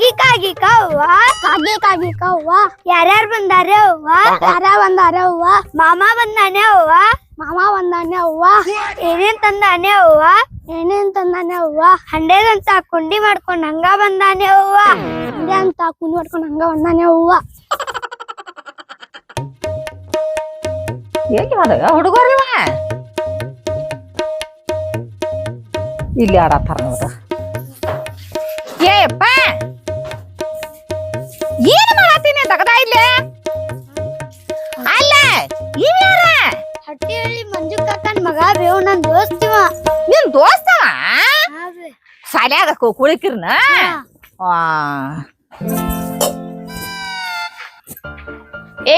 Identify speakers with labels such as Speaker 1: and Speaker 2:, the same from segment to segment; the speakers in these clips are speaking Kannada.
Speaker 1: ಕಾಗಿ ಕಾಗಿ ಕವ್ವ ಕಾಗಿ ಕಾಗಿ ಕವ್ವ ಯಾರ್ಯಾರು ಬಂದಾರೆ ಅವ್ವ ಯಾರ ಬಂದಾರೆ ಅವ್ವ ಮಾಮ ಬಂದಾನೆ ಅವ್ವ ಮಾಮ ಬಂದಾನೆ ಅವ್ವ ಏನೇನ್ ತಂದಾನೆ ಅವ್ವ ಏನೇನ್ ತಂದಾನೆ ಅವ್ವ ಹಂಡೆದಂತ ಕುಂಡಿ ಮಾಡ್ಕೊಂಡ್ ಹಂಗ ಬಂದಾನೆ ಅವ್ವ ಹಂಡೆ ಅಂತ ಕುಂಡಿ ಮಾಡ್ಕೊಂಡ್ ಹಂಗ ಬಂದಾನೆ ಅವ್ವ
Speaker 2: ಏಕೆ ಮಾಡ ಹುಡುಗರಿವ ಇಲ್ಲಿ ಆಡತ್ತಾರ ನೋಡ ಏಪ್ಪ ಏನ್ ಮಾಡತ್ತೀನಿ ತಗದ ಇಲ್ಲೇ ಅಲ್ಲ ಇವ್ಯಾರ
Speaker 1: ಹಟ್ಟಿಹಳ್ಳಿ ಮಂಜು ಕಾಕನ್ ಮಗ ಬೇವು ನನ್ ದೋಸ್ತಿವ
Speaker 2: ನಿನ್ ದೋಸ್ತವ ಶಾಲ್ಯಾಗ ಕುಳಿಕಿರ್ನ ಏ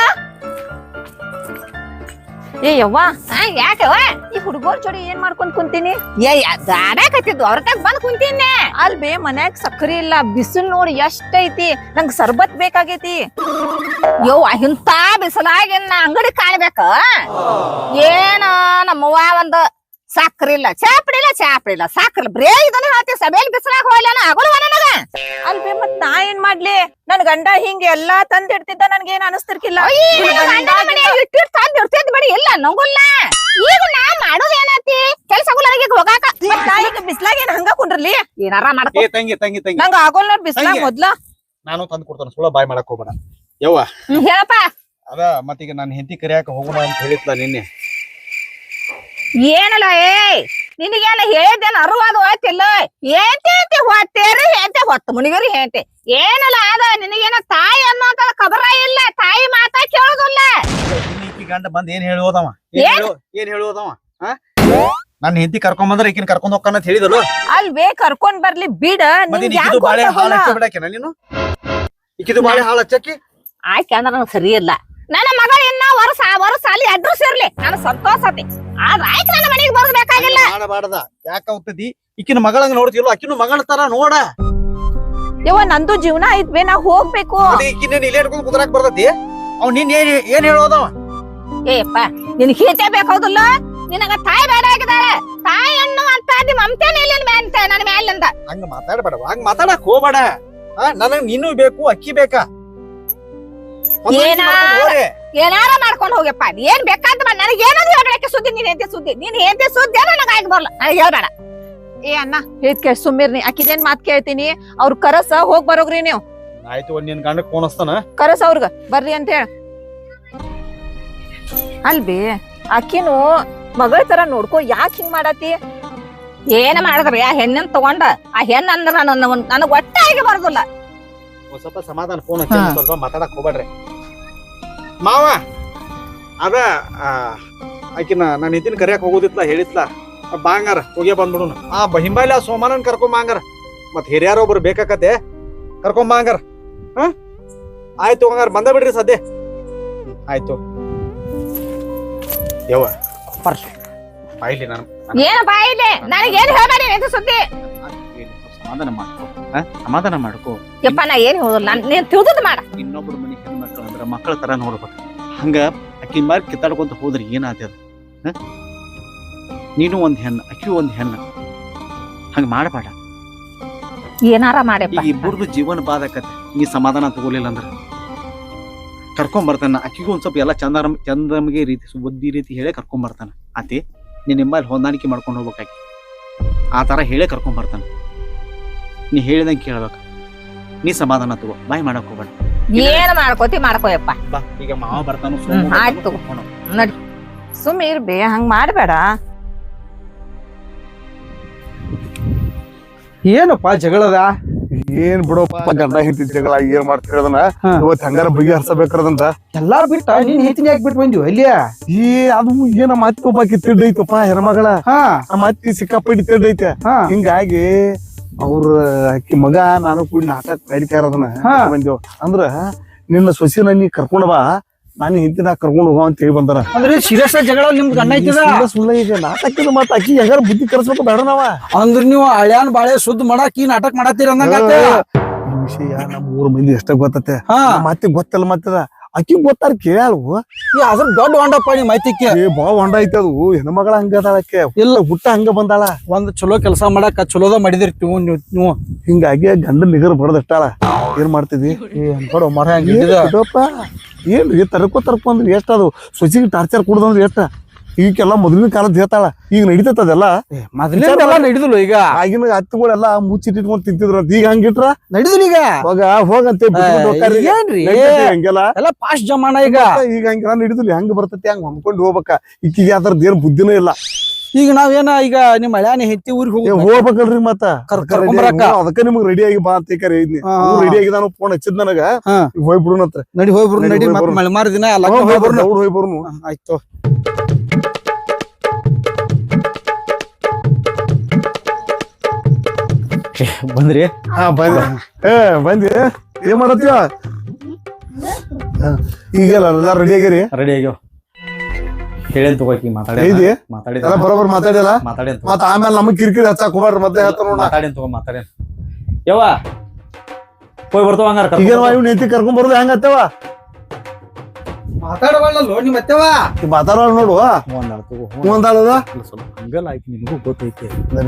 Speaker 2: ಯವ್ವ ಯಾಕವ್ವ ಈ ಹುಡುಗರ್ ಜೋಡಿ ಏನ್ ಮಾಡ್ಕೊಂಡ್ ಕುಂತೀನಿ ದಾಡಾಕತ್ತಿದ್ದು ಅವ್ರತಾಗ ಬಂದ್ ಕುಂತೀನಿ ಅಲ್ ಬೇ ಮನ್ಯಾಗ ಸಕ್ಕರೆ ಇಲ್ಲ ಬಿಸಿಲು ನೋಡಿ ಎಷ್ಟೈತಿ ನಂಗ್ ಸರ್ಬತ್ ಬೇಕಾಗೈತಿ ಯವ್ವ ಇಂತ ಬಿಸಿಲಾಗಿ ಅಂಗಡಿ ಕಾಣ್ಬೇಕ ಏನ ನಮ್ಮವ್ವ ಒಂದ್ ಸಕ್ರಿ ಇಲ್ಲ ಚಾಪಡಿ ಇಲ್ಲ ಸಕ್ರಿ ಬರೇ ಇದನ್ನ ಹೇಳ್ತಿ ಸಭೆಯಲ್ಲಿ ಬಿಸಿಲಾಗ ಹೋಗ್ಲೇನ ಆಗೋಲ್ವ ನನಗ ಅಲ್ಬೇ ಮತ್ ನಾ ಏನ್ ಮಾಡ್ಲಿ ನನ್ ಗಂಡ ಹಿಂಗ ಎಲ್ಲಾ ತಂದಿಡ್ತಿದ್ದ ನನ್ಗೇನ್ ಅನಸ್ತಿರ್ಕಿಲ್ಲ ಇಟ್ಟಿರ್ ತಂದಿಡ್ತಿದ್ ಬಡಿ ಇಲ್ಲ ನಂಗುಲ್ಲ ಈಗ ನಾ ಮಾಡೋದ್ ಏನತಿ ಕೆಲ್ಸ ಹೋಗಾಕ ಈಗ ಬಿಸ್ಲಾಗ ಏನ್ ಹಂಗ ಕುಂಡ್ರಲಿ ಏನಾರ ಮಾಡ್ಕೊ
Speaker 3: ತಂಗಿ ತಂಗಿ ತಂಗಿ
Speaker 2: ನಂಗ ಆಗೋಲ್ ನೋಡ್ ಬಿಸ್ಲಾಗ ಮೊದ್ಲ
Speaker 3: ನಾನು ತಂದು ಕೊಡ್ತಾನ ಸುಳ್ಳ ಬಾಯ್ ಮಾಡಕ್ ಹೋಗ್ಬೇಡ ಯವ್ವ
Speaker 2: ಹೇಳಪ್ಪ
Speaker 3: ಅದ ಮತ್ತೀಗ ನಾನು ಹೆಂಡತಿ ಕರಿಯಾಕ ಹೋಗೋಣ ಅಂತ ಹೇಳಿದ್ಲ ನಿನ್ನೆ
Speaker 2: ಏನಲ್ಲ ನಿನಗೇನ ಹೇಳಿದ್ದೇನ ಅರುವಾದ ಹೋಯ್ತಿಲ್ಲ ಏಂತಿ ಹೊತ್ತೇರಿ ಹೇಂತೆ ಹೊತ್ತು ಮುನಿಗರಿ ಹೇಂತೆ ಏನಲ್ಲ ಅದ ನಿನಗೇನ ತಾಯಿ ಅನ್ನೋಂತ ಖಬರ ಇಲ್ಲ ತಾಯಿ ಮಾತಾ ಕೇಳೋದಿಲ್ಲ
Speaker 3: ಈಕಿ ಗಂಡ ಬಂದ್ ಏನ್ ಹೇಳೋದವ ಏನ್ ಹೇಳೋದವ ನನ್ನ ಹೆಂಡತಿ ಕರ್ಕೊಂಡ್ ಬಂದ್ರ ಈಕಿನ ಕರ್ಕೊಂಡ್ ಹೋಗ್ತಾನ ಅಂತ ಹೇಳಿದಳು
Speaker 2: ಅಲ್ವೇ ಕರ್ಕೊಂಡ್ ಬರ್ಲಿ ಬಿಡ
Speaker 3: ಬಾಳೆ ಹಾಳ ಹಚ್ಚ ಬಿಡಾಕೆನ ನೀನು ಈಕಿದು ಬಾಳೆ ಹಾಳ ಹಚ್ಚಕ್ಕಿ
Speaker 2: ಆಯ್ಕೆ ಅಂದ್ರ ನನಗ್ ಸರಿ ಇಲ್ಲ ನನ್ನ ಮಗಳ ಇನ್ನ ವರ್ಷ ಅಲ್ಲಿ ಅಡ್ರೆಸ್ ಇರ್ಲಿ ನಾನು ಸಂತೋಷತಿ ಆದ್ರ ಆಯ್ಕೆ ನನ್ನ ಮನೆಗೆ ಬರ್ಬೇಕಾಗಿಲ್ಲ
Speaker 3: ಮಾಡಬಾರ್ದ ಯಾಕ ಹೋಗ್ತದಿ ಈಕಿನ ಮಗಳಂಗ ನೋಡ್ತಿಲ್ಲ ಆಕಿನ ಮಗಳ ತರ ನೋಡ
Speaker 2: ಯವ್ವ ನಂದು ಜೀವನ ಐತ್ಬೇ ನಾ ಹೋಗ್ಬೇಕು
Speaker 3: ಈಕಿನ ಇಲ್ಲೇ ಹಿಡ್ಕೊಂಡ್ ಕುದ್ರಾಕ್ ಬರ್ತತಿ ಅವ್ ನೀನ್ ಏನ್ ಹೇಳೋದವ
Speaker 2: ಏಪ್ಪ ನಿನ್ ಹೀತೆ ಬೇಕಾಗುದಿಲ್ಲ ನಿನಗ ತಾಯಿ ಬೇಡ ಆಗಿದ್ದಾಳೆ ತಾಯಿ ಅನ್ನುವಂತ ಮಮತೆನೇ ಇಲ್ಲ ನನ್ನ ಮೇಲಿಂದ
Speaker 3: ಹಂಗ ಮಾತಾಡ್ಬೇಡ ಹಂಗ ಮಾತಾಡಕ್ ಹೋಗ್ಬೇಡ ನನಗ್ ನೀನು ಬೇಕು ಅಕ್ಕಿ ಬೇಕಾ
Speaker 2: ಏನಾರ ಮಾಡ್ಕೊಂಡ್ ಹೋಗ್ಯಪ್ಪ ಏನ್ ಬೇಕಾದ ನನಗೆ ಏನಾದ್ರು ಹೇಳ್ಬೇಡಕ್ಕೆ ಸುದ್ದಿ ನೀನ್ ಹೆಂಡತಿ ಸುದ್ದಿ ನನಗ ಆಗಿ ಬರ್ಲ ನನಗೆ ಹೇಳ್ಬೇಡ ಏ ಅಣ್ಣ ಹೇಳ್ಕೆ ಸುಮ್ಮಿರ್ನಿ ಅಕ್ಕಿದೇನ್ ಮಾತ್ ಕೇಳ್ತೀನಿ ಅವ್ರ ಕರಸ ಹೋಗ್ ಬರೋಗ್ರಿ ನೀವು
Speaker 3: ಆಯ್ತು ಒಂದ್ ನಿನ್ ಗಂಡಕ್ ಫೋನ್ ಹಚ್ತಾನ
Speaker 2: ಕರಸ ಅವ್ರಗ ಬರ್ರಿ ಅಂತ ಹೇಳ ಅಲ್ಬಿ ಅಕ್ಕಿನು ಮಗಳ ತರ ನೋಡ್ಕೊ ಯಾಕೆ ಹಿಂಗ್ ಮಾಡತಿ ಏನ ಮಾಡಿದ್ರಿ ಆ ಹೆಣ್ಣನ್ ತಗೊಂಡ ಆ ಹೆಣ್ಣ ಅಂದ್ರ ನನಗ್ ಒಟ್ಟ ಆಗಿ ಬರೋದಿಲ್ಲ
Speaker 3: ಸ್ವಲ್ಪ ಸಮಾಧಾನ ಫೋನ್ ಹಚ್ಚಿ ಸ್ವಲ್ಪ ಮಾತಾಡಕ್ ಹೋಗ್ಬೇಡ್ರಿ ಮಾವ ಅದ ಆಕಿನ ನಾನು ಹೆಂಡತಿನ ಕರಿಯಾಕ ಹೋಗೋದಿತ್ಲ ಹೇಳಿತ್ಲ ಬಾಂಗಾರ ಹೋಗ್ಯ ಬಂದ್ಬಿಡುನು ಹಿಂಬಾಲಿ ಆ ಸೋಮಾನನ್ ಕರ್ಕೊಂಡ್ ಬಾಂಗಾರ ಮತ್ ಹಿರಿಯಾರ ಒಬ್ರು ಬೇಕಾಕತೆ ಕರ್ಕೊಂಡ್ ಬಾಂಗಾರ ಆಯ್ತು ಹಂಗಾರ ಬಂದ ಬಿಡ್ರಿ ಸದ್ಯ ಆಯ್ತು ಯವ್ವ ಬಾಯಿಲಿ ನಾನು
Speaker 2: ಏನ ಬಾಯಿಲೆ ನನಗೇನ್ ಹೇಳ್ಬೇಡಿ ಇದು ಸುದ್ದಿ
Speaker 3: ಸಮಾಧಾನ ಮಾಡ್ಕೋ
Speaker 2: ಯಪ್ಪ ನಾ ಏನ್ ಹೋದಲ್ಲ ನೀನ್ ತಿಳಿದ್ ಮಾಡ
Speaker 3: ಇನ್ನೊಬ್ರು ಮನಿ ಹೆಣ್ಮಕ್ಳು ಅಂದ್ರ ಮಕ್ಕಳ ತರ ನೋಡ್ಬೇಕು ಹಂಗ ಅಕ್ಕಿನ ಮಾರಿ ಕಿತ್ತಾಡ್ಕೊಂತ ಹೋದ್ರಿ ಏನಾಗ್ತದ ನೀನು ಒಂದ್ ಹೆಣ್ಣು ಅಕ್ಕಿ ಒಂದ್ ಹೆಣ್ಣು ಹಂಗ ಮಾಡಬೇಡ
Speaker 2: ಏನಾರ ಮಾಡಿ
Speaker 3: ಈಗ ಇಬ್ಬರದು ಜೀವನ ಬಾದಕತ್ತೆ ನೀ ಸಮಾಧಾನ ತಗೋಲಿಲ್ಲ ಅಂದ್ರ ಕರ್ಕೊಂಡ್ ಬರ್ತಾನ ಅಕ್ಕಿಗೂ ಒಂದ್ ಸ್ವಲ್ಪ ಎಲ್ಲ ಚಂದಮ್ಗೆ ರೀತಿ ಬುದ್ಧಿ ರೀತಿ ಹೇಳೇ ಕರ್ಕೊಂಡ್ ಬರ್ತಾನ ಆತಿ ನೀನ್ ನಿಮ್ಮಲ್ಲಿ ಹೊಂದಾಣಿಕೆ ಮಾಡ್ಕೊಂಡು ಹೋಗ್ಬೇಕಾಗಿ ಆ ತರ ಹೇಳೇ ಕರ್ಕೊಂಡ್ ಬರ್ತಾನ ನೀ ಹೇಳಿದಂಗೆ ಕೇಳ್ಬೇಕ ನೀ ಸಮಾಧಾನ ತಗೋ ಬಾಯ್ ಮಾಡಕ್ ಹೋಗ್ಬೇಡ
Speaker 2: ಏನ್ ಮಾಡ್ಕೋಯಪ್ಪ
Speaker 3: ಬಾ ಈಗ ಮಾವ ಬರ್ತಾನ
Speaker 2: ಆಯ್ತು ನಡಿ ಸುಮ್ಮನೆ ಇರ್ಬೇ ಹಂಗ ಮಾಡ್ಬೇಡ
Speaker 4: ಏನಪ್ಪ ಜಗಳದ ಏನ್ ಬಿಡಪ್ಪ ಗಂಡ ಹೆಂಡತಿ ಜಗಳ ಏನ್ ಮಾಡ್ತಿರೋದನ್ನ ಇವತ್ ಹಂಗಾರ ಬಗೆಹರಿಸಬೇಕದಂತ
Speaker 5: ಎಲ್ಲಾ ಬಿಟ್ಟ ನೀನ್ ಹೆಂಡತಿನ ಯಾಕೆ ಬಿಟ್ಟು ಬಂದಿವ ಇಲ್ಲಿಯ
Speaker 4: ಅದು ಏನ ಮಾತಿ ಒಬ್ಬಾಕಿ ತಿಡ್ಡೈತಪ್ಪ ಹೆಣ್ಮಗಳ ಮಾತಿ ಸಿಕ್ಕಾಪಟ್ಟಿ ತಿಡ್ಡೈತೆ ಹಿಂಗಾಗಿ ಅವ್ರ ಅಕ್ಕಿ ಮಗ ನಾನು ಕೂಡ ನಾಟಕ ನಡೀತಾ ಇರೋದನ್ನ ಬಂದೇವ್ ಅಂದ್ರ ನಿನ್ನ ಸೊಸಿನ ನೀ ಕರ್ಕೊಂಡ್ ಬಾ ನಾನು ಹಿಂದಿನ ಕರ್ಕೊಂಡ್ ಹೋಗ ಅಂತ ಹೇಳಿ ಬಂದಾರ
Speaker 5: ಅಂದ್ರೆ ಸೀರಿಯಸ್ ಜಗಳ ನಿಮ್ದು ಗಂಡ ಐತಿದ
Speaker 4: ಸುಳ್ಳ ಈಗ ನಾಟಕದ ಮತ್ತ ಅಕ್ಕಿ ಹೆಂಗಾರ ಬುದ್ಧಿ ಕರ್ಸ್ಬೇಕು ಬೇಡ ನಾವ
Speaker 5: ಅಂದ್ರ ನೀವು ಹಳ್ಯಾನ್ ಬಾಳೆ ಸುದ್ದ ಮಾಡಾಕ ಈ ನಾಟಕ ಮಾಡತ್ತೀರ ಅಂದಂಗ
Speaker 4: ಈ ವಿಷಯ ನಮ್ 3 ಮಂದಿ ಎಷ್ಟ ಗೊತ್ತತೆ ಮತ್ತೆ ಗೊತ್ತಲ್ಲ ಮತ್ತದ ಅಕ್ಕಿ ಗೊತ್ತಾರ ಕೇಳವು
Speaker 5: ಅದ್ರ ದೊಡ್ಡ ಹೊಂಡಪ್ಪ ನೀ ಮಾಹಿತಿಕ್ಕೆ
Speaker 4: ಏ ಬಾ ಹೊಂಡ ಐತಿ ಅದು ಹೆಣ್ಮಗಳ ಹಂಗ ಅದಾಳಕ್ಕೆ ಇಲ್ಲ ಹುಟ್ಟ ಹಂಗ ಬಂದಾಳ
Speaker 5: ಒಂದ್ ಚಲೋ ಕೆಲಸ ಮಾಡಾಕ ಚಲೋದ ಮಾಡಿದಿರ್ತೀವಿ ನೀವು
Speaker 4: ಹಿಂಗಾಗಿ ಗಂಡ ನಿಗರ್ ಬಡದಟ್ಟಾಳ ಏನ್ ಮಾಡ್ತಿದ್ವಿ
Speaker 5: ಕೊಡು ಮರ
Speaker 4: ಏನ್ರಿ ತರ್ಕೊ ಅಂದ್ರಿ ಎಷ್ಟ ಅದು ಸೊಸಿಗೆ ಟಾರ್ಚರ್ ಕುಡ್ದಂದ್ರಿ ಎಷ್ಟ ಈಗೆಲ್ಲ ಮೊದಲಿನ ಕಾಲದ ಹೇಳ್ತಾಳ ಈಗ ನಡಿತದೆಲ್ಲ
Speaker 5: ಮೊದಲೆಲ್ಲ ನಡಿದಿಲ್ಲ ಈಗ
Speaker 4: ಆಗಿನ ಹತ್ತುಗಳೆಲ್ಲ ಮುಚ್ಚಿಟ್ಕೊಂಡ್ ತಿಂತಿದ್ರ ಅಂತ ಈಗ ಹಂಗಿಟ್ರ
Speaker 5: ನಡಿದಿಲ್ಲ ಈಗ
Speaker 4: ಹೋಗಂತೆ
Speaker 5: ಏನ್ರಿ
Speaker 4: ಹಂಗೆಲ್ಲ
Speaker 5: ಎಲ್ಲ ಫಾಸ್ಟ್ ಜಮಾನ ಈಗ
Speaker 4: ಈಗ ಹಂಗೆಲ್ಲ ನಡಿದಿಲ್ಲ ಹೆಂಗ್ ಬರ್ತೈತಿ ಹಂಗ ಹೊಂದ್ಕೊಂಡ್ ಹೋಗ್ಬೇಕ ಈಕಿಗೆ ಅದ್ರದ್ದು ಏನ್ ಬುದ್ಧಿನೂ ಇಲ್ಲ
Speaker 5: ಈಗ ನಾವೇನ ಈಗ ನಿಮ್ ಹಳ್ಯಾನಿ ಹೆತ್ತಿ ಊರಿಗೆ
Speaker 4: ಹೋಗ್ಬೇಕಲ್ರಿ ಮತ್ತ
Speaker 5: ಕರ್ಕೊಂಬರಾಕ
Speaker 4: ಅದಕ್ಕ ನಿಮ್ಗ್ ರೆಡಿ ಆಗಿ ಬಾ ಅಂತ ಕರೀನಿ ರೆಡಿ ಆಗಿ ನಾನು ಫೋನ್ ಹಚ್ಚಿದ್ ನನಗ ಹೋಗ್ಬಿಡುನತ್ರ
Speaker 5: ನಡಿ ಹೋಗ್ಬರು ನಡಿ ಮಳೆ ಮಾರ ದಿನ
Speaker 4: ಹೋಗ್ಬರ್ನು
Speaker 5: ಆಯ್ತು ಬಂದ್ರಿ
Speaker 4: ಹಾ ಬಂದಿ ಏನ್ ಮಾಡತ್ತೀವ ಈಗೆಲ್ಲ ರೆಡಿ ಆಗಿರಿ
Speaker 5: ರೆಡಿ ಆಗ್ಯಾವ ಹೇಳೇನ್ ತಗೋಕಿ
Speaker 4: ಮಾತಾಡಿ ಬರೋಬರ್ ಮಾತಾಡಿಲ್ಲ ಮತ್ತ ಆಮೇಲೆ ನಮಗ್ ಕಿರಿಕಿರಿ ಹಚ್ಚಾಕ್ ಹೋಗ್ಬಾರ್ರಿ ಮತ್ತೆ ಹೇಳ್ತಾರ
Speaker 5: ಮಾತಾಡೇನ್ ಯವ್ವ ಹೋಗಿ ಬರ್ತಾವ ಹಂಗಾರ
Speaker 4: ಈಗ ಇವ್ ನೆತ್ತಿ ಕರ್ಕೊಂಡ್ ಬರೋದು ಹೆಂಗತ್ತವ
Speaker 5: ಮಾತಾಡವಲ್ಲೋ ನಿಮ್ಮ ಅತ್ತೆವ
Speaker 4: ಮಾತಾಡೋಣ ನೋಡು ಒಂದಾಳದ
Speaker 5: ಹಂಗಲ್ಲ ಆಯ್ತು ನಿಮಗೂ ಗೊತ್ತೈತಿ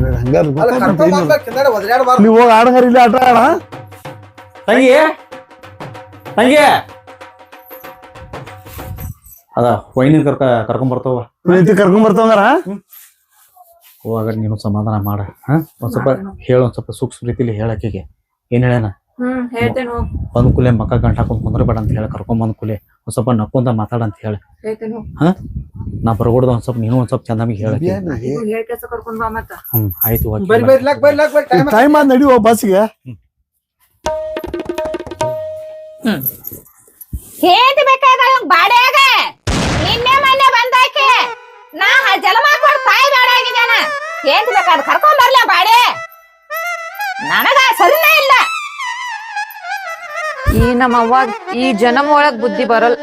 Speaker 4: ನೀವ್ ಹೋಗಿ ಆಡಂಗಾರ ಇಲ್ಲಿ ಆಟ ಆಡ
Speaker 5: ತಂಗಿ ಅದ ವೈನಿ ಕರ್ಕೊಂಡ್ ಬರ್ತಾವ
Speaker 4: ನೆತ್ತಿ ಕರ್ಕೊಂಡ್ ಬರ್ತಾವಂಗಾರ
Speaker 5: ಹೋಗಾಗ ನೀನು ಸಮಾಧಾನ ಮಾಡ ಒಂದ್ ಸ್ವಲ್ಪ ಹೇಳ ಒಂದ್ ಸ್ವಲ್ಪ ಸೂಕ್ಷ್ಮ ರೀತಿಲಿ ಹೇಳಕ್ಕಿಗೆ ಏನ್ ಹೇಳೇನ ಬಂದ್ ಕೂಲೆ ಮಕ್ಕ ಗಂಟ ಹಾಕೊಂಡ್ ಕುಂದ್ರಬೇಡ ಅಂತ ಹೇಳಿ ಕರ್ಕೊಂಡ್ ಬಂದ್ ಕೂಲೆ ಒಂದ್ ಸ್ವಲ್ಪ ನಕ್ಕೊಂತ ಮಾತಾಡ ಅಂತ ಹೇಳಿ ನಾ ಬರ್ಗೊಡ್ದ ಒಂದ್ ಸ್ವಲ್ಪ ನೀನು ಒಂದ್ ಸ್ವಲ್ಪ ಚಂದಮಿಗೆ ಹೇಳಕ್ಕೆ ಆಯ್ತು
Speaker 4: ಟೈಮ್ ಆದ್ ನಡಿವ ಬಸ್ಗೆ
Speaker 2: ಹೇಂತಿ ಬೇಕಾಗ ಬಾಡ್ಯಾಗ ನಿನ್ನೆ ಮೊನ್ನೆ ಬಂದಾಕೆ ನಾ ಜಲ ಮಾಡ್ಕೊಂಡು ತಾಯಿ ಬೇಡ ಆಗಿದ್ದಾನ ಹೇಂತಿ ಬೇಕಾದ ಕರ್ಕೊಂಡ್ ಬರ್ಲ ಬಾಡೆ ನನಗ ಸರಿನೇ ಇಲ್ಲ ಈ ನಮ್ಮ ಅವ್ವ ಈ ಜನಮ ಒಳಗ್ ಬುದ್ಧಿ ಬರಲ್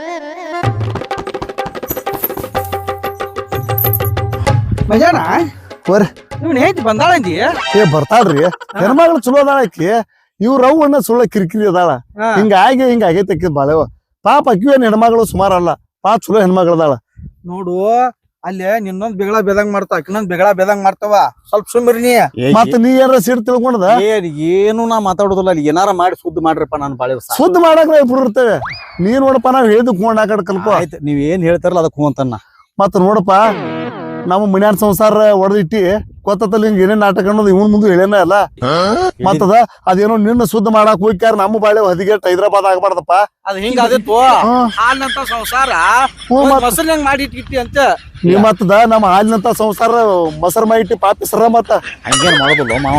Speaker 5: ಮಜಾನ
Speaker 4: ಬರ್ರಿ
Speaker 5: ನೀವ್ ಹೇಳ್ತಿ ಬಂದಾಳಂದಿ
Speaker 4: ಏ ಬರ್ತಾಳ್ರಿ ಹೆಣ್ಮಗಳು ಚಲೋ ಅದಾಳ ಆಕಿ ಇವ್ರ ಅವ್ವನ್ನ ಸುಳ್ಳ ಕಿರಿಕಿರಿ ಅದಾಳ ಹಿಂಗ ಆಗೈತೆ ಬಾಳೆವ ಪಾಪ ಅಕ್ಕಿವೇನ್ ಹೆಣ್ಮಗಳು ಸುಮಾರಲ್ಲ ಪಾಪ ಚಲೋ ಹೆಣ್ಮಗಳದಾಳ
Speaker 5: ನೋಡು ಅಲ್ಲಿ ನಿನ್ನೊಂದ್ ಬೆಗಳ ಬೇದಂಗ್ ಮಾಡ್ತಾವ ಇನ್ನೊಂದ್ ಬೆಗಳ ಬೇದಂಗ್ ಮಾಡ್ತಾವ ಸ್ವಲ್ಪ ಸುಮ್ಮಿರಿ ನೀ
Speaker 4: ಮತ್ತ ನೀ ಏನಾರ ಸೀಟ್ ತಿಳ್ಕೊಂಡದ
Speaker 5: ಏನು ನಾ ಮಾತಾಡೋದಿಲ್ಲ ಅಲ್ಲಿ ಏನಾರ ಮಾಡಿ ಸುದ್ದಿ ಮಾಡ್ರಪ್ಪ ನಾನು ಬಾಳೆ
Speaker 4: ಸುದ್ದಿ ಮಾಡಕ್ ಇಬ್ರು ಇರ್ತೇವೆ ನೀ ನೋಡಪ್ಪ ನಾವ್ ಹೇಳಿದ್ ಕೊಂಡ್ ಆ ಕಡೆ ಕಲ್ಕೋ
Speaker 5: ಆಯ್ತು ನೀವ್ ಏನ್ ಹೇಳ್ತಾರಲ್ಲ ಅದಕ್ಕೆ ಅಂತನ್ನ
Speaker 4: ಮತ್ತ ನೋಡಪ್ಪ ನಮ್ಮ ಮನ್ಯಾನ ಸಂಸಾರ ಹೊಡೆದಿಟ್ಟಿ ಗೊತ್ತಲ್ಲಿ ಹಿಂಗ ಏನೇನ್ ನಾಟಕ ಅನ್ನೋದು ಇವನ್ ಮುಂದೆ ಹೇಳೇನ ಅಲ್ಲ ಮತ್ತದ ಅದೇನೋ ನಿನ್ನ ಸುದ್ದಿ ಮಾಡಾಕ್ ಹೋಗ್ಯಾರ ನಮ್ಮ ಬಾಳೆ ಹದಿಗೆಟ್ ಹೈದರಾಬಾದ್ ಆಗ್ಬಾರ್ದಪ್ಪ
Speaker 5: ಅದ್ ಹಿಂಗ ಆದಿತ್ತು ಹಾಲ್ನಂತ ಸಂಸಾರ ಮೊಸರು ಹೆಂಗ್ ಮಾಡಿ ಇಟ್ಟಿ ಅಂತ
Speaker 4: ನೀ ಮತ್ತದ ನಮ್ಮ ಹಾಲಿನಂತ ಸಂಸಾರ ಮೊಸರು ಮಾಡಿಟ್ಟಿ ಪಾಪಿಸ್ರ ಮತ್ತ
Speaker 5: ಹಂಗೇನ್ ಮಾಡೋದಿಲ್ಲ ಮಾವ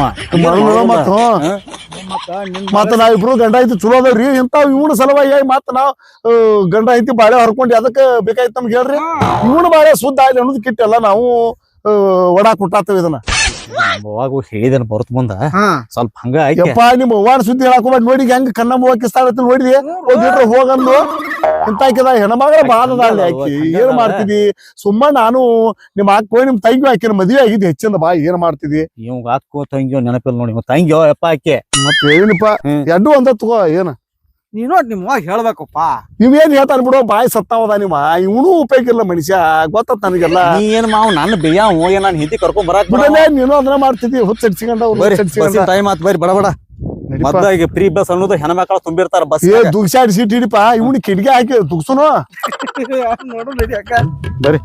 Speaker 4: ಮತ್ತ ನಾವಿಬ್ರು ಗಂಡ ಐತಿ ಚಲೋ ಅದಾವ್ರಿ ಇಂತಾವ್ ಇವನ ಸಲುವಾಗಿ ಮತ್ತ ನಾವ್ ಗಂಡ ಐತಿ ಬಾಳೆ ಹರ್ಕೊಂಡಿ ಅದಕ್ಕ ಬೇಕಾಯ್ತು ನಮ್ಗೆ ಹೇಳ್ರಿ ಇವನು ಬಾಳೆ ಸುದ್ದ ಆಗ್ಲಿ ಅನ್ನೋದು ಕಿಟ್ಟೆಲ್ಲ ನಾವು ಒಡಾಕ್ ಹುಟ್ಟಾತೇವ ಇದನ್ನ
Speaker 5: ಅವಾಗ ಹೇಳಿದನ್ ಬರುತ್ತ ಮುಂದ ಸ್ವಲ್ಪ ಹಂಗ
Speaker 4: ಯಪ್ಪ ನಿಮ್ ಅವ್ವಾನ ಸುದ್ದಿ ಹೇಳಕ್ ಹೋಗ್ಬೇಡ ನೋಡಿ ಹೆಂಗ ಕಣ್ಣ ಮೂವಕ್ಕಿಸ್ತಾಳತ್ತ ನೋಡಿದಿ ಹೋಗಿಟ್ರೆ ಹೋಗಂದು ಇಂತಾಕಿದ ಹೆಣ್ಮಗಳ ಬಾಳದಾಳಿ ಆಕಿ ಏನ್ ಮಾಡ್ತಿದಿ ಸುಮ್ಮ ನಾನು ನಿಮ್ ಹಾಕೋ ನಿಮ್ ತಂಗಿ ಹಾಕಿನ ಮದ್ವೆ ಆಗಿದ್ ಹೆಚ್ಚಿಂದ ಬಾ ಏನ್ ಮಾಡ್ತಿದಿ
Speaker 5: ಇವ್ ಹಾಕೋ ತಂಗಿಯೋ ನೆನಪಿಲ್ಲ ನೋಡಿ ತಂಗಿಯೋ ಯಪ್ಪ ಆಕೆ
Speaker 4: ಮತ್ತೆ ಏನಪ್ಪ ಎಡ್ಡು ಅಂತ ತಗೋ ಏನ
Speaker 5: ನೀನು ನಿಮ್ಮ ಹೇಳ್ಬೇಕಪ್ಪ
Speaker 4: ನೀವೇನ್ ಹೇಳ್ತಾರ ಬಿಡೋ ಬಾಯಿ ಸತ್ತಾವದ ನಿಮ್ಮ ಇವನು ಉಪಯೋಗ ಇಲ್ಲ ಮನುಷ್ಯ ಗೊತ್ತ ನನಗೆಲ್ಲ
Speaker 5: ನೀ ಏನ್ ಮಾವ್ ನನ್ನ ಬೇಯ ಹೋಗಿ ನಾನು ಹಿಂದಿ ಕರ್ಕೊಂಡ್ ಬರಾಕ್
Speaker 4: ನೀನು ಅದನ್ನ ಮಾಡ್ತಿದ್ದಿ ಹುಚ್ಚ
Speaker 5: ಟೈಮ್ ಆತ್ ಬರ್ರಿ ಬಡ ಮದ್ದ ಈಗ ಫ್ರೀ ಬಸ್ ಅನ್ನೋದು ಹೆಣ್ಮಕ್ಳ ತುಂಬಿರ್ತಾರ ಬಸ್
Speaker 4: ದುಗ್ಸಾಡಿ ಸೀಟ್ ಹಿಡಿಪ ಇವನು ಕಿಡಿಗೆ ಹಾಕಿ ದುಗ್ಸುನು
Speaker 5: ನೋಡು ನಡಿ ಅಕ್ಕ
Speaker 4: ಬರ್ರಿ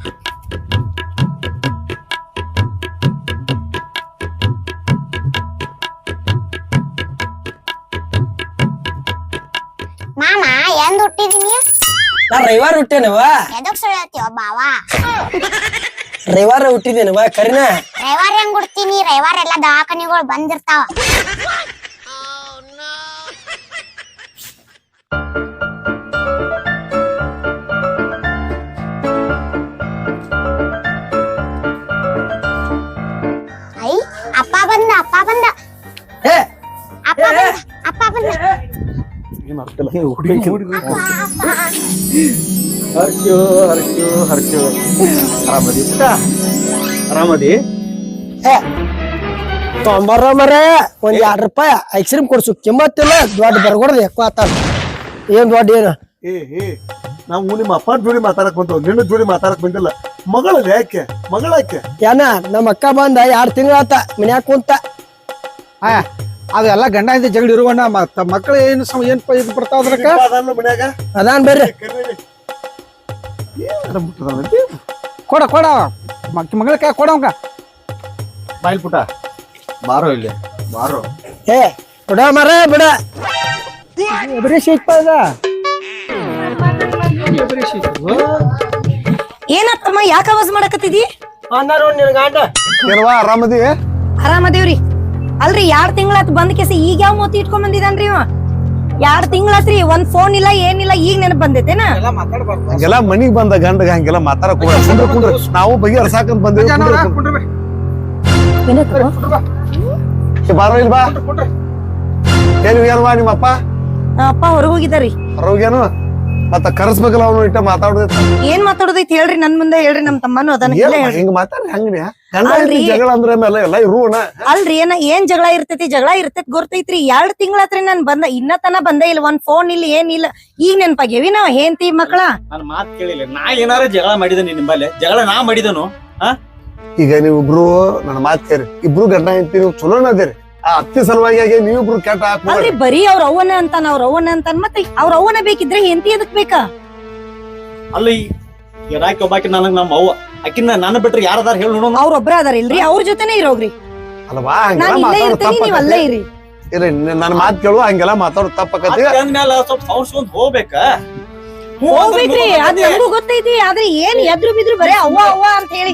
Speaker 1: ಮಾಮ ಎಂದ್ ಹುಟ್ಟಿದೀನಿ
Speaker 6: ನಾ ರವಿವಾರ ಹುಟ್ಟೇನವ
Speaker 1: ಎದಕ್ ಸುಳ್ತೀವ ಬಾವ
Speaker 6: ರವಿವಾರ ಹುಟ್ಟಿದೇನವ ಕರಿನ
Speaker 1: ರವಿವಾರ ಹೆಂಗ್ ಹುಡ್ತೀನಿ ರವಿವಾರ ಎಲ್ಲಾ ದವಾಖಾನಿಗಳು ಬಂದಿರ್ತಾವ ಐ ಅಪ್ಪ ಬಂದ ಅಪ್ಪ ಬಂದ
Speaker 6: ಏ
Speaker 1: ಅಪ್ಪ ಬಂದ ಅಪ್ಪ ಬಂದ
Speaker 5: ಆರಾಮದಿ
Speaker 6: ತೊಂಬರ ಮರ ಒಂದ್ 2 ರೂಪಾಯಿ ಐಸ್ ಕ್ರೀಮ್ ಕೊಡ್ಸು ಕಿಮ್ಮತ್ತಿಲ್ಲ ದೊಡ್ಡ ಬರ್ಗೊಡ್ದು ఎక్కువ ಆತ ಏನ್ ದೊಡ್ಡ ಏನು
Speaker 4: ನಾವು ನಿಮ್ಮ ಅಪ್ಪ ಜೋಡಿ ಮಾತಾಡಕ್ ಬಂದವ್ ನಿನ್ನ ಜೋಡಿ ಮಾತಾಡಕ್ ಬಂದಿಲ್ಲ. ಮಗಳಲ್ಲ ಯಾಕೆ ಮಗಳಾಕೆ
Speaker 6: ಏನ ನಮ್ಮ ಅಕ್ಕ ಬಂದ 2 ತಿಂಗಳಾತ ಮನ್ಯಾಗ ಕುಂತ.
Speaker 7: ಅದೆಲ್ಲ ಗಂಡ ಹಿಂದೆ ಜಗಳ ಇರುವಣ್ಣ ಮಕ್ಕಳು ಏನು ಏನ್ ಇದು ಬರ್ತಾವ ಅದ್ರಕ್ಕ
Speaker 4: ಅದನ್ನ ಮನ್ಯಾಗ
Speaker 6: ಅದಾನ್ ಬರ್ರಿ
Speaker 7: ಕೊಡ ಮಗಳ ಕೈ ಕೊಡವಂಗ
Speaker 3: ಬಾಯಿಲ್ ಪುಟ ಬಾರೋ ಇಲ್ಲಿ ಬಾರೋ.
Speaker 6: ಏ ಬಿಡ ಮರ ಬಿಡ.
Speaker 7: ಬರೀ ಶೀಟ್ ಅದ
Speaker 8: ಏನತ್ತಮ್ಮ ಯಾಕ ಆವಾಜ್ ಮಾಡಕತ್ತಿದಿ?
Speaker 6: ಅನ್ನಾರ ನಿನ್ ಗಂಡ
Speaker 4: ಏನವಾ ಆರಾಮದಿ?
Speaker 8: ಆರಾಮದೇವ್ರಿ. ಅಲ್ರಿ 2 ತಿಂಗಳಾತ್ ಬಂದ್ ಕೇಸಿ ಈಗ ಯಾವ ಮೋತಿ ಇಟ್ಕೊಂಡ್ ಬಂದಿದ್ದಾನ್ರಿ ಇವ? 2 ತಿಂಗಳಾತ್ರಿ ಒಂದ್ ಫೋನ್ ಇಲ್ಲ ಏನಿಲ್ಲ, ಈಗ ನೆನಪ್ ಬಂದೈತೇನ?
Speaker 4: ಹಂಗೆಲ್ಲ ಮನಿಗ್ ಬಂದ ಗಂಡಗ ಹಂಗೆಲ್ಲ ಮಾತಾಡಕ್ ಹೋಗ್ಬೇಡ. ಕುಂಡ್ರ ನಾವು ಬಗೆಹರ್ಸಾಕಂತ ಬಂದೇವಿ. ಬಾರೋ ಇಲ್ಲಿ ಬಾ. ಏನವಾ ನಿಮ್ಮಪ್ಪ?
Speaker 8: ಅಪ್ಪ ಹೊರಗ್ ಹೋಗಿದಾರಿ.
Speaker 4: ಹೊರಗೇನು ಮತ್ತ ಕರ್ಸ್ಬೇಕಲ್ಲ ಅವನು ಇಟ್ಟ ಮಾತಾಡೋದೈತ.
Speaker 8: ಏನ್ ಮಾತಾಡೋದೈತಿ ಹೇಳ್ರಿ, ನನ್ ಮುಂದೆ ಹೇಳ್ರಿ, ನಮ್ ತಮ್ಮನು ಅದಾನ.
Speaker 4: ಹಿಂಗ ಮಾತಾಡ್ರಿ ಹಂಗ್ರಿ ಗಂಡ ಹೆಂಡ್ತಿ ಜಗಳ ಅಂದ್ರೆ ಮೇಲೆ ಎಲ್ಲ ಇರುವಣ.
Speaker 8: ಅಲ್ರಿ ಏನ್ ಜಗಳ ಇರ್ತೈತಿ ಗೊತ್ತೈತ್ರಿ. 2 ತಿಂಗಳಾತ್ರಿ ನಾನ್ ಬಂದ ಇನ್ನತನ ಬಂದೇ ಇಲ್ಲ, ಒಂದ್ ಫೋನ್ ಇಲ್ಲ ಏನಿಲ್ಲ. ಈಗ ನೆನ್ಪಾಗ್ಯವಿ ನಾವ್ ಹೆಂಡತಿ ಮಕ್ಕಳ.
Speaker 5: ನನ್ ಮಾತ್ ಕೇಳಿಲ್ಲ, ನಾ ಏನಾರ ಜಗಳ ಮಾಡಿದನಿ ನಿಮ್ಮಲ್ಲಿ? ಜಗಳ ನಾ ಮಾಡಿದನು?
Speaker 4: ಈಗ ನೀವಿಬ್ರು ನನ್ನ ಮಾತ್ ಕೇರಿ, ಇಬ್ರು ಗಂಡ ಹೆಂಡ್ತಿ ನೀವು ಚಲೋನ ಅದೇರಿ. ಆ ಅತ್ತಿ ಸಲುವಾಗಿ ನೀವಿಬ್ರು ಕೆಟ್ಟ
Speaker 8: ಅಲ್ರಿ ಬರೀ ಅವ್ರ ಅವ್ವನ ಅಂತಾನ ಮತ್ತೆ ಅವ್ರ ಅವ್ವನ ಬೇಕಿದ್ರೆ ಹೆಂಡತಿ ಎದಕ್ ಬೇಕಾ?
Speaker 5: ಅಲ್ಲಿ ಇರಾಕಿ ಒಬ್ಬಾಕಿ ನನಗ್ ನಮ್ಮ ಅವ್ವ ಆಕಿನ ನನ್ನ ಬಿಟ್ರೆ ಯಾರದಾರ ಹೇಳಿ ನೋಡೋಣ.
Speaker 8: ಅವ್ರ ಒಬ್ರ ಅದಾರ ಇಲ್ರಿ, ಅವ್ರ ಜೊತೆನೆ ಇರೋಗ್ರಿ.
Speaker 4: ಅಲ್ವಾ
Speaker 8: ನಾನ್ ಇಲ್ಲೇ ಇರ್ತೀನಿ, ನೀವ್ ಅಲ್ಲೇ ಇರಿ.
Speaker 4: ನನ್ನ ಮಾತ್ ಕೇಳುವ ಹಂಗೆಲ್ಲ ಮಾತಾಡೋದು ತಪ್ಪಕತಿ.
Speaker 5: ಅಂದ್ಮೇಲೆ ಸ್ವಲ್ಪ ಸೌಂಡ್ ಹೋಗ್ಬೇಕ.
Speaker 8: ಹೋಗ್ಬೇಕ್ರಿ, ಅದ್ ನಮಗೂ ಗೊತ್ತೈತಿ. ಆದ್ರೆ ಏನ್ ಎದ್ರು ಬಿದ್ರು ಬರೇ ಅವ್ವ ಅಂತ ಹೇಳಿ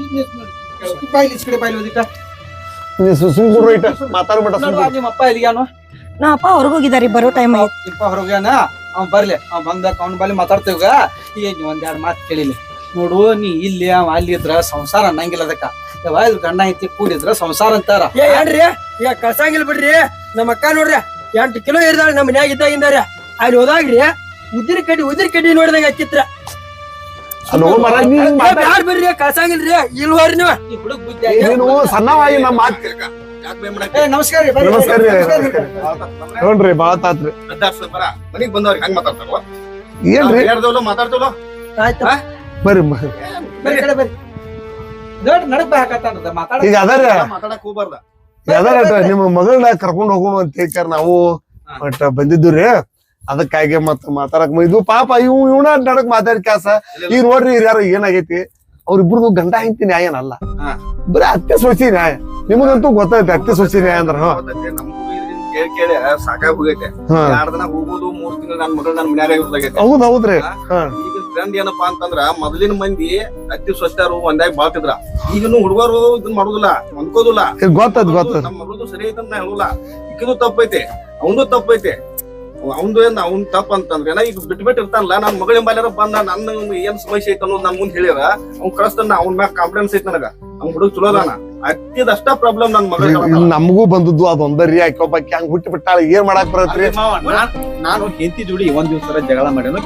Speaker 4: ಸುಮ್ಕುಡ್ರು ಇಟ್ಟ ಮಾತಾಡ್ಬಿಟ್ಟ.
Speaker 7: ನಿಮ್ಮ ಅಪ್ಪ ಎಲ್ಲಿಗಾನು?
Speaker 8: ನಾ ಅಪ್ಪ ಹೊರಗ್ ಹೋಗಿದಾರಿ, ಬರೋ ಟೈಮ್ ಆಯ್ತು.
Speaker 7: ಇಪ್ಪ ಹೊರಗ್ಯಾನ, ಅವ್ ಬರ್ಲಿ, ಅವ್ ಬಂದಾಗ ಅವ್ನ ಬಲ್ಲಿ ಮಾತಾಡ್ತೇವ್ಗ. ಈಗ ನೀ 1-2 ಮಾತು ಕೇಳಿಲಿ ನೋಡು. ನೀ ಇಲ್ಲಿ ಅವ ಅಲ್ಲಿ ಇದ್ರ ಸಂಸಾರ ಅನ್ನಂಗಿಲ್ಲ. ಅದಕ್ಕ ಇದು ಗಂಡ ಐತಿ ಕೂಡಿದ್ರ ಸಂಸಾರ ಅಂತಾರ.
Speaker 6: ಏನ್ರಿ ಈಗ ಕಳ್ಸಂಗಿಲ್ಲ ಬಿಡ್ರಿ. ನಮ್ಮ ಅಕ್ಕ ನೋಡ್ರಿ 8 ಕಿಲೋ ಇರ್ದಾಳ ನಮ್ಮ ಮನ್ಯಾಗ ಇದ್ದಾಗಿಂದಾರ. ಅಲ್ಲಿ ಹೋದಾಗ್ರಿ ಉದಿರಿ ಕಡ್ಡಿ ನೋಡಿದಂಗ ಹಚ್ಚಿತ್ರ. ಬ್ಯಾಡ್ ಬರ್ರಿ ಕಳ್ಸಂಗಿಲ್ರಿ. ಇಲ್ವಾರಿ ನೀವು
Speaker 7: ಈ ಹುಡುಗ ಬುದ್ಧಿ
Speaker 4: ನೀನು ಸಣ್ಣವಾಗಿ ನಮ್ಮ ಮಾತ್
Speaker 7: ನಮಸ್ಕಾರ ರೀ.
Speaker 4: ನಮಸ್ಕಾರ ನೋಡ್ರಿ ಬಾಳ ತಾತ್ರಿ.
Speaker 3: ಮನಿಗ್ ಬಂದವ್ರಿಗೆ ಹಂಗ ಮಾತಾಡ್ತಾರ
Speaker 4: ಏನ್ರಿ
Speaker 3: ಮಾತಾಡ್ತೇವಲ್ಲ.
Speaker 6: ಆಯ್ತು
Speaker 4: ಬರ್ರಿ
Speaker 7: ಬರ್ರಿ ಕಡೆ ಬರ್ರಿ. ದೊಡ್ಡ ನಡಕ್ ಬಾ ಹಾಕತ್ತಾನ ಮಾತಾಡ.
Speaker 4: ಈಗ ಅದಾರ
Speaker 3: ಮಾತಾಡಕ್ ಹೋಗ್ಬಾರ್ದ.
Speaker 4: ನಿಮ್ಮ ಮಗಳನ್ನ ಕರ್ಕೊಂಡ್ ಹೋಗೋಣ ಅಂತ ಹೇಳ್ತಾರ. ನಾವು ಬಟ್ ಬಂದಿದ್ದು ಅದಕ್ಕಾಗಿ ಮತ್ತ ಮಾತಾಡಕ್ ಇದು ಪಾಪ ಇವನ ನಡಕ್ ಮಾತಾಡಿ ಕ್ಯಾಸ. ಈಗ ನೋಡ್ರಿ ಯಾರು ಏನಾಗೈತಿ, ಅವ್ರಿಬ್ರದು ಗಂಡ ಹೆಂಡತಿ ನ್ಯಾಯ ಏನಲ್ಲ, ಬರೀ ಅತ್ತೆ ಸೊಸಿ ನ್ಯಾಯ. ನಿಮಗಂತೂ ಗೊತ್ತೈತಿ ಅತ್ತೆ ಸೊಸಿ ನ್ಯಾಯ ಅಂದ್ರ.
Speaker 3: ಕೇಳಿ ಸಾಕಾಗಿ ಹೋಗೈತೆ. 2 ದಿನ ಹೋಗುದು, 3 ತಿಂಗಳು ನನ್ ಮಗಳು ನನ್ ಮನ್ಯಾಗ ಇರ್ದಾಗೈತೆ.
Speaker 4: ಹೌದ್ರಿ.
Speaker 3: ಈಗ ಟ್ರೆಂಡ್ ಏನಪ್ಪಾ ಅಂತಂದ್ರ ಮೊದಲಿನ ಮಂದಿ ಅತ್ತಿ ಸ್ವಚ್ಛರು ಒಂದಾಗ ಬಾಳ್ತಿದ್ರ. ಈಗಿನ ಹುಡುಗರು ಇದನ್ ಮಾಡುದಿಲ್ಲ, ಹೊಂದ್ಕೋದಿಲ್ಲ.
Speaker 4: ಗೊತ್ತದ
Speaker 3: ನಮ್ಮ ಮಗಳದು ಸರಿ ಐತೆ ಅಂತ ನಾ ಹೇಳುಲ್ಲ. ಈಗಿದು ತಪ್ಪೈತೆ, ಅವನು ತಪ್ಪೈತೆ. ಅವ್ನು ಅವ್ನ್ ತಪ್ಪ ಅಂತಂದ್ರೆ ಈಗ ಬಿಟ್ಬಿಟ್ಟು ಇರ್ತಾನಲ್ಲ. ನನ್ ಮಗಳ ಬಾಲ್ಯಾರ ಬಂದ ನನ್ನ ಏನ್ ಸಮಸ್ಯೆ ಐತೆ ಅನ್ನೋದು ನನ್ ಮುಂದೆ ಹೇಳ್ಯಾರ. ಅವ್ನ್ ಕಳಿಸ್ತಾನ, ಅವ್ನ ಮ್ಯಾಗ ಕಾನ್ಫಿಡೆನ್ಸ್ ಐತಿ ನನಗ. ಅವ್ನ್ ಹುಡುಗ ಚಲೋ ಅದಾನ. ಅತ್ತಿದಷ್ಟ ಪ್ರಾಬ್ಲಮ್ ನನ್ ಮಗಳ.
Speaker 4: ನಮಗೂ ಬಂದದ್ದು ಅದೊಂದರಿ. ಯಾಕೊಬ್ಬಾಕಿ ಹಂಗ ಹುಟ್ಟಿ ಬಿಟ್ಟಾಳ, ಏನ್ ಮಾಡಾಕ್ ಬರತ್ರಿ?
Speaker 5: ನಾನು ಹೆಂಡತಿ ಜೋಡಿ 1 ದಿವಸ ಜಗಳ ಮಾಡ್ಯಾನ.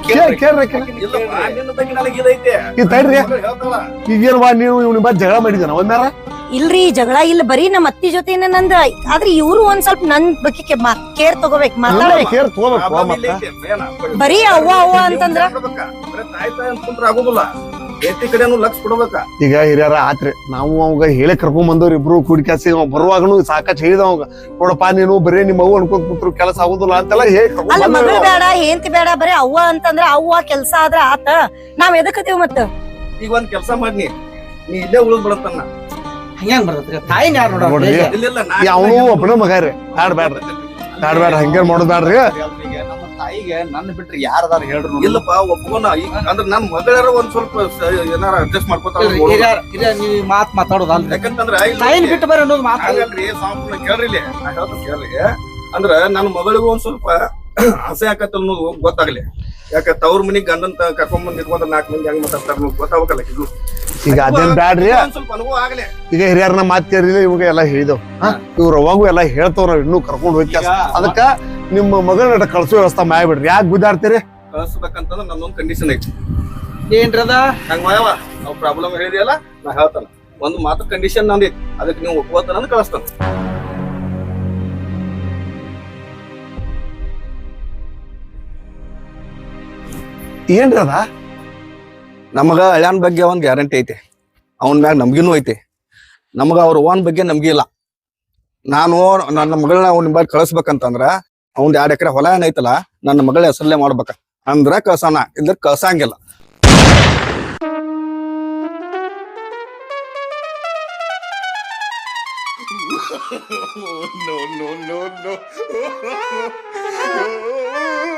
Speaker 4: ಈಗೇನ್ವಾ ನೀವು ಇವ್ನ ಬಾ ಜಗಳ ಮಾಡಿದಾನ ಒಂದಾರ?
Speaker 8: ಇಲ್ರಿ ಜಗಳ ಇಲ್ಲ, ಬರೀ ನಮ್ಮ ಅತ್ತಿ ಜೊತೆ ನಂದ. ಆದ್ರೆ ಇವ್ರು ಒಂದ್ ಸ್ವಲ್ಪ ನನ್ ಬಗ್ಗೆ ಕೇರ್ ತಗೋಬೇಕು, ಮಾತಾಡ್ಬೇಕು.
Speaker 4: ಕೇರ್ ತಗೋಬೇಕು.
Speaker 8: ಬರೀ ಅವ್ವ ಅಂತಂದ್ರ
Speaker 3: ಆಗುದಿಲ್ಲ. ಎತ್ತಿ ಕಡೆನು ಲಕ್ಷ ಕೊಡ್ಬೇಕ.
Speaker 4: ಈಗ ಹಿರಿಯರ ಆತ್ರಿ, ನಾವು ಅವಾಗ ಹೇಳಿ ಕರ್ಕೊಂಡ್ ಬಂದವ್ರಿ ಇಬ್ರು ಕೂಡಿಕಾಸಿ. ಬರುವಾಗನು ಸಾಕಷ್ಟು ಹೇಳಿದ ಅವಾಗ, ನೋಡಪ್ಪ ನೀನು ಬರೀ ನಿಮ್ಮ ಅವ್ವ ಅನ್ಕೊಂಡ್ ಕೂತ್ರು ಕೆಲಸ ಆಗುದಿಲ್ಲ ಅಂತೆಲ್ಲ ಹೇಳಿ
Speaker 8: ಅಲ್ಲ. ಮಗಳು ಬೇಡ ಹೆಂಡತಿ ಬೇಡ, ಬರೀ ಅವ್ವ ಅಂತಂದ್ರ ಅವ್ವ ಕೆಲ್ಸ ಆದ್ರ ಆತ. ನಾವ್ ಎದಕ್ಕತೀವ್ ಮತ್ತ?
Speaker 3: ಈಗ ಒಂದ್ ಕೆಲ್ಸ ಮಾಡಿ, ನೀ ಇಲ್ಲೇ ಉಳಿದ್ ಬಿಡತ್ತನ್ನ.
Speaker 7: ಹಂಗ್ಯಾಂಗ ಬರ್ತೈತ್ರಿ? ತಾಯಿನ ಯಾರು
Speaker 4: ನೋಡ್ರಿ, ಅವನು ಒಬ್ಬನ ಮಗ ರೀ. ಬ್ಯಾಡ್ರಿ ಹಂಗೇನ್ ಮಾಡೋದ್ ಬ್ಯಾಡ್ರಿ.
Speaker 3: ನಮ್ಮ ತಾಯಿಗೆ ನನ್ನ ಬಿಟ್ರಿ ಯಾರದಾರ ಹೇಳ್ರು? ಇಲ್ಲಪ್ಪ ಒಪ್ಕೋನ. ಅಂದ್ರೆ ನನ್ ಮಗಳಾರ ಒಂದ್ ಸ್ವಲ್ಪ ಏನಾರ ಅಡ್ಜಸ್ಟ್ ಮಾಡ್ಕೊತಾರ.
Speaker 7: ನೀವ್ ಮಾತ್ ಮಾತಾಡೋದಲ್ರಿ.
Speaker 3: ಯಾಕಂತಂದ್ರ
Speaker 7: ತಾಯಿನ ಬಿಟ್ಟು ಬರ್ರಿ ಅನ್ನೋದು ಮಾತಾಡ್ರಿ.
Speaker 3: ಕೇಳ್ರಿ ನಾ ಹೇಳ್ತೀನಿ ಕೇಳ್ರಿ. ಅಂದ್ರ ನನ್ ಮಗಳಿಗೂ ಒಂದ್ ಸ್ವಲ್ಪ ಆಸೆ ಆಕತ್ತ ಅನ್ನೋದು ಗೊತ್ತಾಗ್ಲಿ. ಯಾಕ ತವ್ರ ಮನಿಗ್ ಗಂಡನ್ ಕರ್ಕೊಂಡ್ ಬಂದ್ ಇಟ್ಕೊಂಡ್ರ 4 ಮಂದಿ ಹೆಂಗ್ ಮಾತಾಡ್ತಾರ ಗೊತ್ತಾಗಲ್ಲ.
Speaker 4: ಈಗ ಅದೇನ್ ಬ್ಯಾಡ್ರಿ.
Speaker 3: ಸ್ವಲ್ಪ ಅನುಭವ ಆಗ್ಲಿ.
Speaker 4: ಈಗ ಹಿರಿಯರ್ನ ಮಾತ್ ಕೇಳಿಲ್ಲ, ಇವಾಗ ಎಲ್ಲಾ ಹೇಳಿದವ್. ಇವ್ರ ಅವಾಗೂ ಎಲ್ಲಾ ಹೇಳ್ತಾವ್, ನಾವ್ ಇನ್ನೂ ಕರ್ಕೊಂಡ್ ಹೋಗಿ. ಅದಕ್ಕ ನಿಮ್ಮ ಮಗಳನ್ನ ಕಳ್ಸೋ ವ್ಯವಸ್ಥೆ ಮಾಡ್ಬಿಡ್ರಿ. ಯಾಕೆ ಗುದ್ದಾಡ್ತೀರಿ?
Speaker 3: ಕಳ್ಸ್ಬೇಕಂತಂದ್ರ ನನ್ನೊಂದ್ ಕಂಡೀಷನ್ ಐತಿ.
Speaker 7: ಏನ್ರದ?
Speaker 3: ಹಂಗ ಮಾಯವ ನಾವ್ ಪ್ರಾಬ್ಲಮ್ ಹೇಳಿದಿಯಲ್ಲ, ನಾ ಹೇಳ್ತಾನ. ಒಂದ್ ಮಾತು ಕಂಡೀಷನ್ ನಂದೈತಿ, ಅದಕ್ಕೆ ನೀವು ಒಪ್ಕೋತಾನ ಕಳಿಸ್ತಾನ.
Speaker 4: ಏನ್ರಿ ಅದ?
Speaker 9: ನಮಗ ಹಳ್ಯಾನ್ ಬಗ್ಗೆ ಒಂದ್ ಗ್ಯಾರಂಟಿ ಐತಿ, ಅವನ್ ಮ್ಯಾಗ ನಮ್ಗಿನೂ ಐತಿ. ನಮಗ ಅವ್ರ ಓನ್ ಬಗ್ಗೆ ನಮ್ಗೆ ಇಲ್ಲ. ನಾನು ನನ್ನ ಮಗಳನ್ನ ಅವ್ನ ಬಗ್ಗೆ ಕಳಿಸ್ಬೇಕಂತಂದ್ರ ಅವ್ನ್ 2 ಎಕರೆ ಹೊಲ ಏನೈತಲ್ಲ ನನ್ನ ಮಗಳ ಹೆಸರಲ್ಲೇ ಮಾಡ್ಬೇಕ, ಅಂದ್ರ ಕಳ್ಸೋಣ, ಇದ್ರ ಕಳ್ಸಂಗಿಲ್ಲ.
Speaker 10: No, no, no, no.